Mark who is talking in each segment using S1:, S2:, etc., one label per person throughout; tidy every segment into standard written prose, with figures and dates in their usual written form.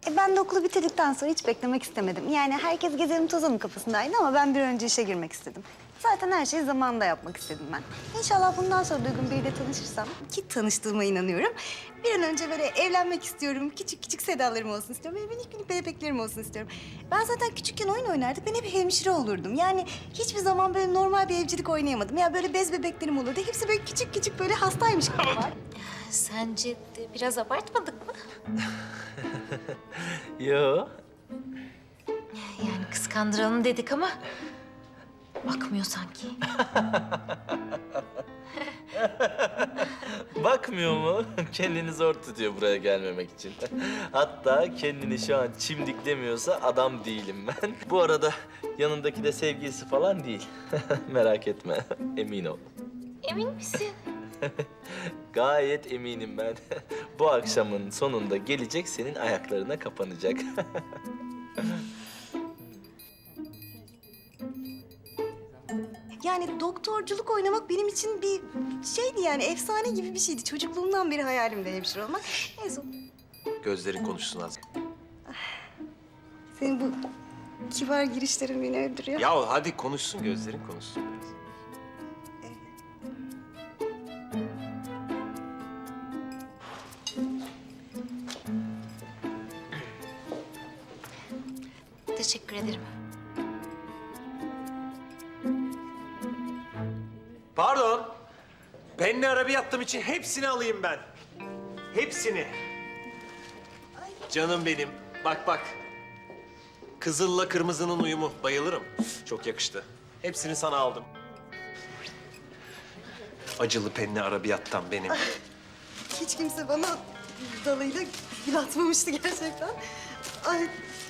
S1: Ben de okulu bitirdikten sonra hiç beklemek istemedim. Yani herkes gezelim tozalım kafasındaydı ama ben bir an önce işe girmek istedim. Zaten her şeyi zamanında yapmak istedim ben. İnşallah bundan sonra Duygun biriyle tanışırsam, ki tanıştığıma inanıyorum. Bir an önce böyle evlenmek istiyorum. Küçük küçük Sedalarım olsun istiyorum. Böyle minik minik bebeklerim olsun istiyorum. Ben zaten küçükken oyun oynardık. Ben hep hemşire olurdum. Yani hiçbir zaman böyle normal bir evcilik oynayamadım. Ya böyle bez bebeklerim olurdu. Hepsi böyle küçük küçük böyle hastaymış gibi var.
S2: Sence de biraz abartmadık mı?
S3: Yo.
S2: Yani kıskandıralım dedik ama bakmıyor sanki.
S3: Bakmıyor mu? Kendini zor tutuyor buraya gelmemek için. Hatta kendini şu an çimdiklemiyorsa adam değilim ben. Bu arada yanındaki de sevgilisi falan değil. Merak etme, emin ol.
S2: Emin misin?
S3: Gayet eminim ben. Bu akşamın sonunda gelecek, senin ayaklarına kapanacak.
S1: Yani doktorculuk oynamak benim için bir şeydi yani efsane gibi bir şeydi. Çocukluğumdan beri hayalimde hemşire olmak. Neyse
S4: Gözlerin konuşsun az.
S1: senin bu kibar girişlerin beni öldürüyor.
S4: Ya hadi konuşsun, gözlerin konuşsun biraz.
S2: Teşekkür ederim.
S4: Pardon. Benle arabiyattım için hepsini alayım ben. Hepsini. Canım benim. Bak bak. Kızılla kırmızının uyumu. Bayılırım. Çok yakıştı. Hepsini sana aldım. Acılı penli arabiyattan benim.
S1: Hiç kimse bana dalıyla gül atmamıştı gerçekten. Ay.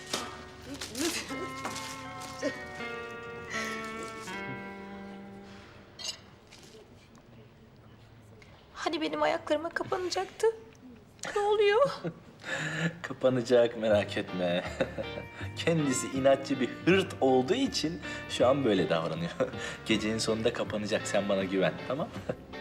S2: Hani benim ayaklarıma kapanacaktı? Ne oluyor?
S3: Kapanacak, merak etme. Kendisi inatçı bir hırt olduğu için şu an böyle davranıyor. Gecenin sonunda kapanacak, sen bana güven, tamam mı?